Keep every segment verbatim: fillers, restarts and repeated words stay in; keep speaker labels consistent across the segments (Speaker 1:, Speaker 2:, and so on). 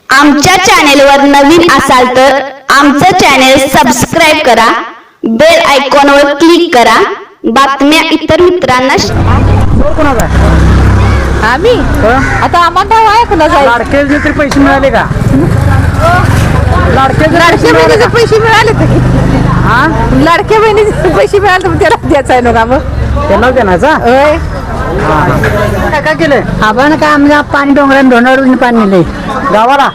Speaker 1: आमच्या चॅनेलवर नवीन असाल तर आमचं चॅनेल सबस्क्राइब करा, बेल आयकॉनवर क्लिक करा, बातम्या इतर मित्रांना
Speaker 2: आम्ही आता आम्हाला आहे कुणाचा
Speaker 3: लाडके तरी पैसे मिळाले का? लाडके
Speaker 2: लाडक्या बहिणीचे पैसे मिळाले तर हा लाडक्या बहिणीचे पैसे मिळाले तर त्याला द्यायचं आहे ना मग
Speaker 3: त्यांना देण्याचा
Speaker 2: होय.
Speaker 3: काय काय केलंय
Speaker 4: आपण काय आमच्या पाणी डोंगरात डोंगरावरून पाणी नेलंय
Speaker 3: गावाला?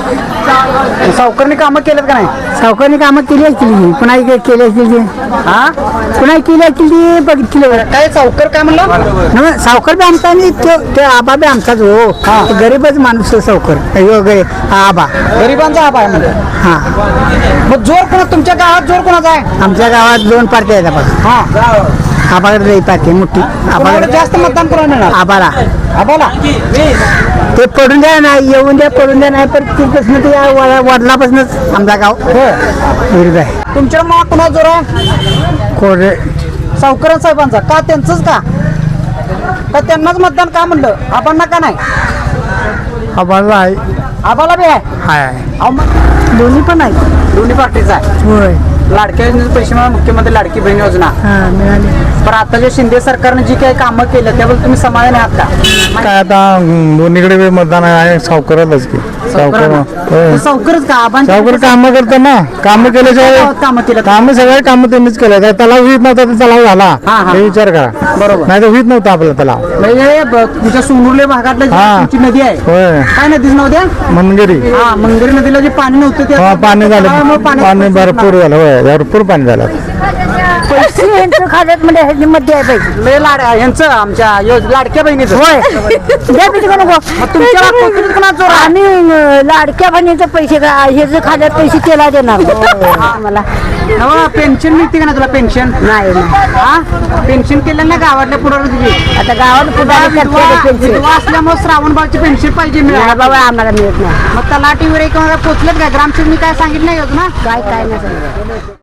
Speaker 3: सावकारने कामं केलेत का नाही?
Speaker 4: सावकारने कामं केली असतील, पुन्हा केली असतील
Speaker 3: हा
Speaker 4: पुन्हा केली असतील ती बघितली.
Speaker 3: काय सावकार काय म्हणलं?
Speaker 4: सावकार बी आमचा आणि ते आबा बी आमचाच हो. तो गरीबच माणूस आहे सावकार वगैरे आबा
Speaker 3: गरिबांचा आबा आहे म्हणजे.
Speaker 4: हा
Speaker 3: मग जोर कोणा तुमच्या गावात जोर कोणाचा आहे?
Speaker 4: आमच्या गावात दोन पार्टी आहेत आपण.
Speaker 3: हा
Speaker 4: आबाकडे लई पार्टी मोठी.
Speaker 3: कोणाला
Speaker 4: आबाकडे
Speaker 3: जास्त मतदान कोणाला येणार?
Speaker 4: आबाला
Speaker 3: आबाला
Speaker 4: ते पडून द्या नाही, येऊन द्या पडून द्या नाही, पण तिथपासून ते वडिलापासूनच आमचा गाव विरुद्ध आहे.
Speaker 3: तुमच्या मग कोणा जोर आहे?
Speaker 4: कोरे
Speaker 3: सावकार साहेबांचा का? त्यांचंच का? का त्यांनाच मतदान का म्हणलं? आबांना का नाही?
Speaker 4: आबाला आहे.
Speaker 3: आबाला बी आहे.
Speaker 4: हाय
Speaker 3: अहो मग
Speaker 4: दोन्ही पण आहे.
Speaker 3: दोन्ही पार्टीचा आहे.
Speaker 4: होय.
Speaker 3: लाडक्या योजनेचे पैसे मिळाले, मुख्यमंत्री लाडकी बहीण योजना.
Speaker 4: हा मिळाले.
Speaker 3: पण आता जे शिंदे सरकारने जी काही कामं केलं त्याबद्दल तुम्ही समाधानी आहात का?
Speaker 5: काय आता दोन्हीकडे बी मतदान आहे सावकारालाच की सावकार होय.
Speaker 3: सावकारच का? आबांच्या
Speaker 5: सावकार कामं करतात ना, कामं केल्याशिवाय
Speaker 3: कामं केलं
Speaker 5: कामं सगळे कामं त्यांनीच केलं. त्या तलाव होत नव्हता तर तलाव झाला
Speaker 3: हा, हा.
Speaker 5: हे विचार करा.
Speaker 3: बरोबर.
Speaker 5: नाही तर होत नव्हता आपला तलाव.
Speaker 3: म्हणजे ब- तुमच्या सोनुर्ले भागातलं जी
Speaker 5: हा.
Speaker 3: तुमची नदी आहे,
Speaker 5: होय
Speaker 3: काय नदीच नव्हत्या?
Speaker 5: मनगिरी
Speaker 3: हा मंगरी नदीला जे पाणी नव्हतं ते
Speaker 5: हा
Speaker 3: आता
Speaker 5: पाणी झालं,
Speaker 3: तलावामुळे पाणी-
Speaker 5: पाणी भरपूर झालं. होय भरपूर पाणी झालं.
Speaker 4: पैसे यांचं खात्यात मध्ये ह्याची मध्ये आहे पैसे.
Speaker 3: लय लाड यांचं आमच्या योज- लाडक्या बहिणीचं.
Speaker 4: होय द्या पैसे का नको.
Speaker 3: मग तुमच्या कोकणात कोणाचं जोर आहे?
Speaker 4: आम्ही अं, लाडक्या बहिणीचे पैसे का ह्याचे खात्यात पैसे त्याला देणार मला
Speaker 3: नवा पेन्शन मिळते का ना तुला? पेन्शन
Speaker 4: नाही नाही.
Speaker 3: हा पेन्शन केलं ना गावातल्या पुढे तुझी?
Speaker 4: आता गावात पुढे पेन्शन
Speaker 3: विधवा असल्यामुळे श्रावणबाळची पेन्शन पाहिजे
Speaker 4: नाही
Speaker 3: मिळाली.
Speaker 4: बाबा आम्हाला मिळत नाही.
Speaker 3: मग तलाठी वगैरे किंवा पोचलेत का? ग्रामसेवकनी काय सांगितलं नाही योजना?
Speaker 4: काय काय नाही सांगितलं.